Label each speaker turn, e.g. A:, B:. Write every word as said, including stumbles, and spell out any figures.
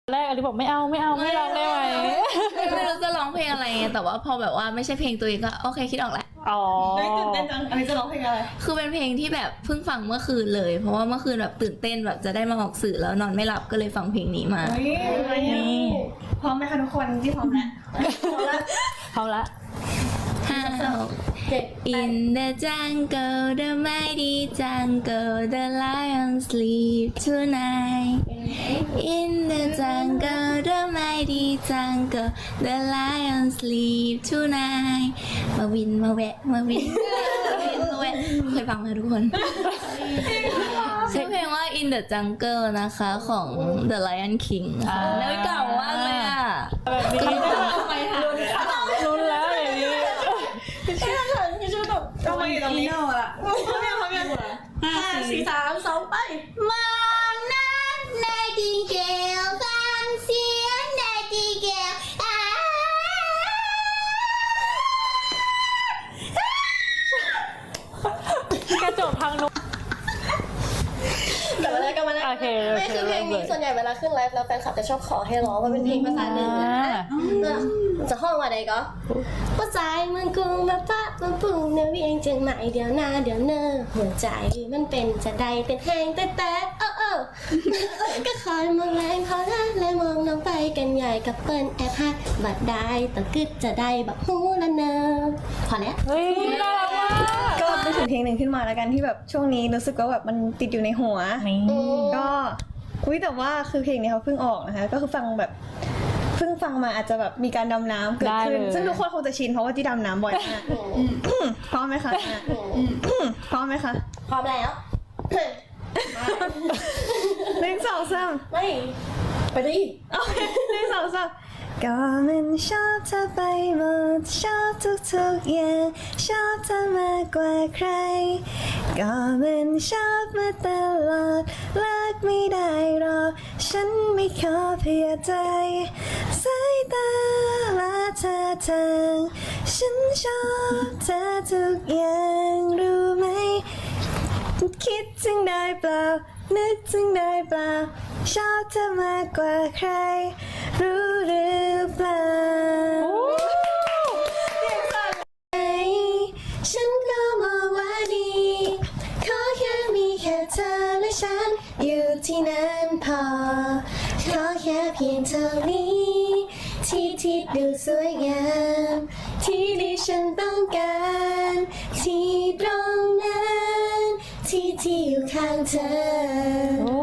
A: แรกอลิบอกไม่เอาไม่เอาไม่ร้องได้ไหม
B: ไม่รู้จะร้องเพลงอะไรไงแต่ว่าพอแบบว่าไม่ใช่เพลงตัวเองก็โอเคคิดออกแหละ
A: อ๋อ
C: ตื่นเต้นจังอันนี้จะร้องเพลงอะไร
B: คือเป็นเพลงที่แบบเพิ่งฟังเมื่อคืนเลยเพราะว่าเมื่อคืนแบบตื่นเต้นแบบจะได้มาออกสื่อแล้วนอนไม่หลับก็เลยฟังเพลงนี้มา
C: นี่พร้อมไหมคะทุกคนที่พร้อมแล้วพร้อมแล้ว
A: พร้อมละ
B: ห้า In the jungle the mighty jungle the lion sleep tonight In the jungle the mighty jungle the lion sleep tonight มาวินมาแวะมาวินมาวินมาแวะเคยฟังไหมทุกคนชื่อเพลงว่า In the jungle นะคะของ The Lion King ค่ะแล้วเก่ามากเลยอ่ะ
A: แบบนี้
C: ทำไมคะ
A: รุนแล้วอย่างนี้
C: ใช่ค่ะพี่ชูตกทำไมตรงนี้อ่ะพร้อมยังพร้อมยังห้าสี่สามสองไป
B: มองนั้นในดินเกลฟังเสียงในดินเกล
A: กระจกทางนู้น
C: กลับมาแล้วกลับมาแล้ว
A: โอเค
C: ไม่คือเพลงนี้ส่วนใหญ่เวลาขึ้นไลฟ์แล้วแฟนคลับจะชอบขอให้ร้องว่าเป็นเพลงภาษาเหนือจะห้องว่าใดก็ภาษาเมืองกรุงมาปะมาปุ่งเนื้อเวียงเจียงใหม่เดี๋ยวหน้าเดี๋ยวเนอหัวใจมันเป็นจะใดเป็นแห้งแต่แต่เออเออก็คอยมองแรงเขาละเลยมองน้องไปกันใหญ่กับเปิ้ลแอบฮักบัดได้ต้องกึดจะได้บักฮูละเนอพอแล้ว
A: เฮ้ยน่ารักมาก
D: ก็เป็นเพลงหนึ่งขึ้นมาแล้วกันที่แบบช่วงนี้รู้สึกว่าแบบมันติดอยู่ในหัวก็อุ้ยแต่ว่าคือเพลงนี้เขาเพิ่งออกนะคะก็คือฟังแบบเพิ่งฟังมาอาจจะแบบมีการดำน้ำเกิดขึ้นซึ่งทุกคนคงจะชินเพราะว่าที่ดำน้ำบ่อยมากพร้อมไหมคะพร้อมไหมคะ
C: พร้อมแล้ว
D: หนึ่งสองสาม
C: ไม่ไปดิ
D: หนึ่งสองสามก็มันชอบเธอไปหมดชอบทุกๆอย่างชอบเธอมากกว่าใครก็มันชอบมาตลอดเลิกไม่ได้หรอกฉันไม่ขอเพียใจสายตาและท่าทางฉันชอบเธอทุกอย่างรู้ไหมคิดถึงได้เปล่านึกถึงได้เปล่าชอบเธอมากกว่าใครรู้หรือเปล่าฉันก็มองว่าดีขอแค่มีแค่เธอและฉันอยู่ที่นั้นพอขอแค่เพียงเท่านี้ที่ที่ดูสวยงามที่ที่ฉันต้องการที่ตรงนั้นที่ที่อยู่ข้างเธอ